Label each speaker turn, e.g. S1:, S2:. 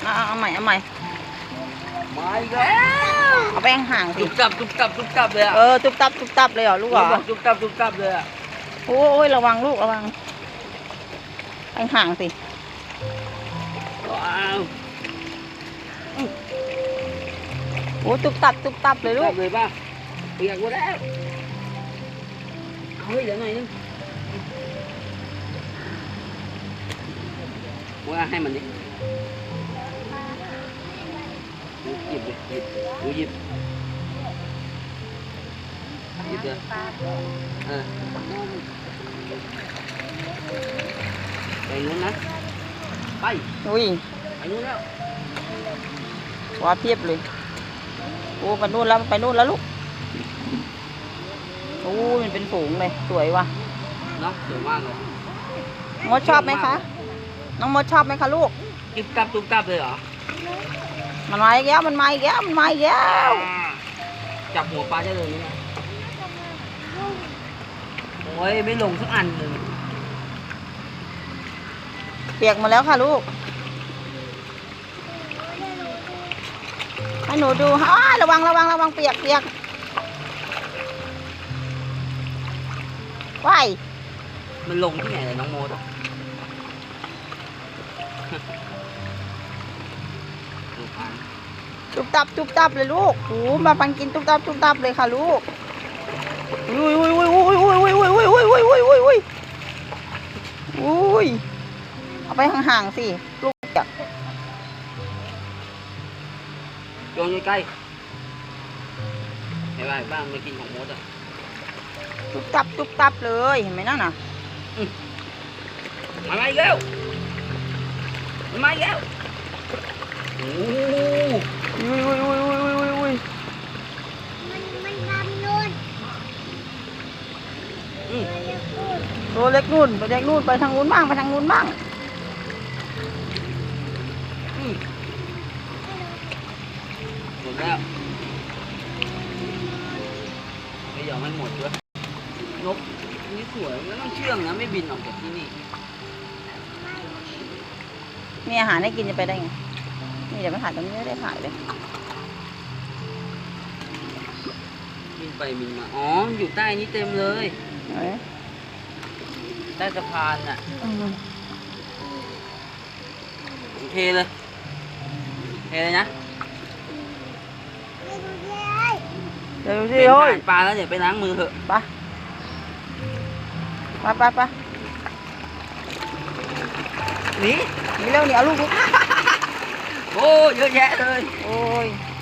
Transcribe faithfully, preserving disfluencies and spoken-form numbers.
S1: เอาเอาใหม่เอาใหม่
S2: มาอีกแล้ว
S1: เอาไปห่างสิ
S2: ตุบตับตุบตับตุบตับเลยอ่ะ
S1: เออตุบตับตุบตับเลยเหรอลูกเหรอ
S2: ตุบตับตุบตับเลยอ่ะ
S1: โอ้ยระวังลูกระวังไปห่างสิ
S2: ว้าว
S1: โอ้ตุบตับตุบตับเลยลูก
S2: เลยป่ะเปียกหมดแล้วเฮ้ยเดี๋ยวหน่อยนึงว่าให้มันดิหยิบหยิบดูหยิบหยิบเลยเออไปนู้นนะไป
S1: อุ้ย
S2: ไปนู้นแล้ว
S1: ว้าเพียบเลยโอ้ไปนู่นแล้วไปนู่นแล้วลูกโอ้มันเป็นฝูงเลยสวยว่ะ
S2: เนาะสวยมากเลย
S1: มดชอบไหมคะน้องมดชอบไหมคะลูก
S2: ตุ๊บตับตุ๊บตับเลยเหรอ
S1: มันมาอีกแล้วมันมาอีกแล้วมันมาอีกแล้ว
S2: จับหัวปลาได้เลยนี่โอ้ยไม่ลงสักอันเลย
S1: เปียกมาแล้วค่ะลูกให้หนูดูอ้าระวังระวังระวังเปียกเปียกว้าย
S2: มันลงที่ไหนเลยน้องโมด
S1: ตุบตับตุบตับเลยลูกโอ้มาปันกินตุบตับตุบตับเลยค่ะลูกอุ้ยอุ้ยอุ้ยอุ้ยอุ้ยอุ้ยอุ้ยอุ้ยอุ้ยอุ้ยอุ้ยอุ้ยอุ้ยเอาไปห่างๆสิลูกเปียก
S2: โยนใกล้ๆเห็นไหมบ้างไม่กินของโมดอ่ะ
S1: ตุบตับตุบตับเลยเห็นไหมนั่นน่ะ
S2: มาอีกแล้วมาอีกแล้วโอ้
S1: อุ้ยอุ้ยอุ้ยอุ้ยอุ้ยอุ้ย
S3: มันมันดำนู่น
S1: ตัวเล็กนู่นตัวเล็กนู่นไปทางนู้นบ้างไปทางนู้นบ้าง
S2: หมดแล้วไม่ยอมให้หมดด้วยนกนี่สวยแล้วต้องเชื่องนะไม่บินออกจากที่นี่
S1: มีอาหารให้กินจะไปได้ไงนี่เดี๋ยวไปถ่ายตรงนี้ไม่ได้ถ่ายเลย
S2: บินไปบินมาอ๋ออยู่ใต้นี้เต็มเลยใต้สะพานน่ะเทเลยเทเลยนะ
S1: เดี๋ยวดูสิเฮ้ย
S2: ปลาแล้วเดี๋ยวไปล้างมือเถอะ
S1: ไปไปไปไป
S2: หนี
S1: หนีเร็วหนีเอาลูกลูก
S2: โอ้เยอะแยะเลย
S1: โอ้ย